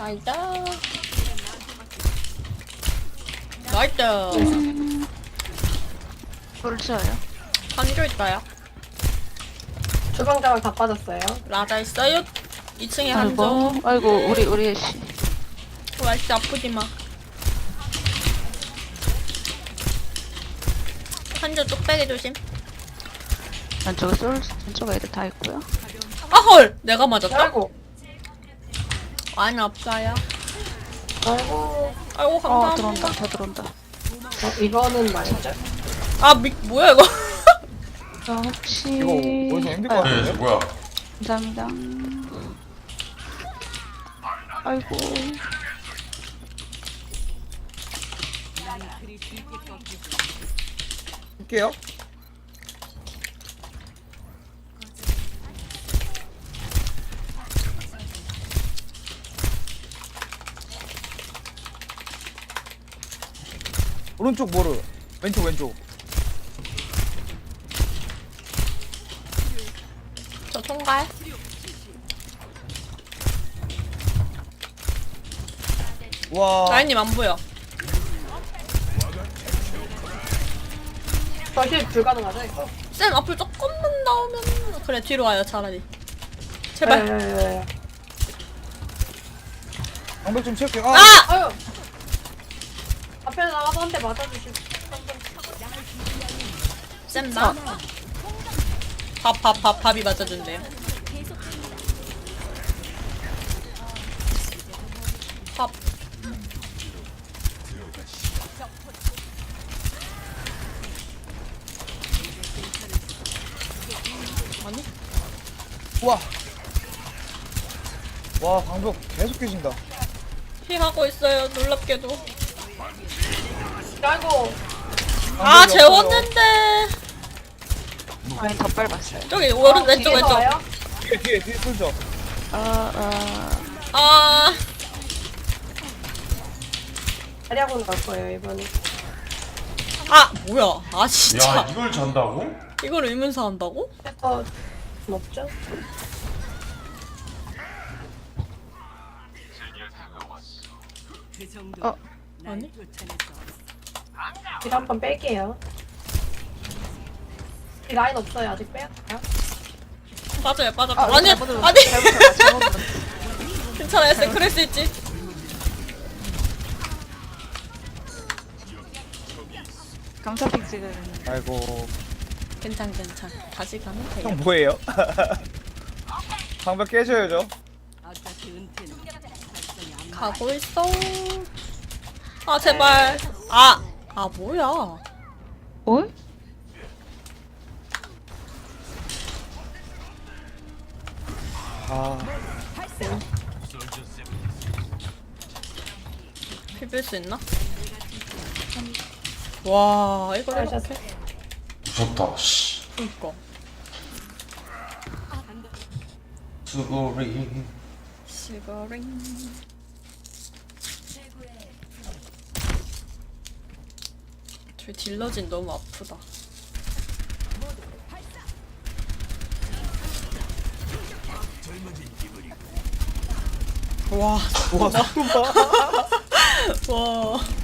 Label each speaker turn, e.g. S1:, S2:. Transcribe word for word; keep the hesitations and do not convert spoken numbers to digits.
S1: 나이스. 나이스.
S2: 음. 벌써요?
S1: 한조 있어요.
S3: 주방장을 다 빠졌어요.
S1: 라자 있어요. 이 층에 한조.
S2: 아이고, 아이고, 우리, 우리 애쉬.
S1: 와, 진짜 아프지 마. 한조 뚝배기 조심.
S2: 왼쪽에 솔, 왼쪽 애들 다 있고요.
S1: 아, 헐! 내가 맞았다?
S3: 아이고,
S1: 아니, 없어요.
S3: 아이고.
S1: 아이고,
S2: 어,
S1: 감사합니다.
S2: 들어온다, 다 들어온다.
S3: 어, 이거는 말이죠.
S1: 아, 미, 뭐야, 이거.
S2: 저 혹시.
S4: 이거 어디서 힘들 것
S5: 네,
S4: 같은데?
S5: 뭐야?
S2: 감사합니다. 아이고.
S4: 할게요. 오른쪽 모르. 왼쪽 왼쪽.
S1: 저 통갈.
S4: 와.
S1: 라인님 안 보여.
S3: 저실 불가능하죠, 이거?
S1: 쌤 앞을 조금만 나오면 그래 뒤로 와요 차라리. 제발.
S3: 네.
S4: 방벽 좀 채울게요. 아!
S1: 아!
S3: 아유. 앞에 나가서 한 대 맞아주시고.
S1: 쌤 나. 밥 밥 밥 밥이 맞아준대요. 밥. 아니?
S4: 와. 와, 방벽 계속 깨진다.
S1: 피하고 있어요 놀랍게도.
S3: 아이고.
S1: 아
S4: 방벽이
S1: 재웠는데.
S2: 아니, 더 밟았어요.
S1: 저기 오른
S3: 어,
S1: 왼쪽
S3: 뒤에서
S1: 왼쪽.
S3: 와요?
S4: 없어요. 뒤에 뒤에 뒤에 풀죠.
S2: 아, 아.
S1: 아
S3: 자리하고는 갈 거예요, 이번에.
S1: 아 뭐야? 아 진짜
S5: 야, 이걸 잔다고?
S1: 이걸 의문사 한다고?
S3: 해서 좀 없죠?
S2: 어,
S1: 아니?
S3: 딜 한번 뺄게요. 이 라인 없어요, 아직 빼요?
S1: 빠져요 빠져.
S2: 아,
S1: 아니
S2: 잘못 눌렀어.
S1: 아니
S2: 잘못 눌렀어, 잘못 눌렀어.
S1: 괜찮아요 쌤 그럴 수 있지.
S2: 감사픽 지금.
S4: 아이고.
S1: 괜찮 괜찮. 다시 가면 돼요.
S4: 형 뭐예요? 방벽 깨져야죠.
S1: 가고 있어. 아 제발. 아. 아 뭐야?
S2: 어?
S4: 아.
S1: 비빌 수 있나? 와 이거 이렇게.
S3: 잘하셨어요?
S5: 무섭다, 씨.
S1: 그니까.
S5: 수고리.
S1: 시거링. 저 딜러진 너무 아프다. 와,
S4: 와, 속도 봐.
S1: 와.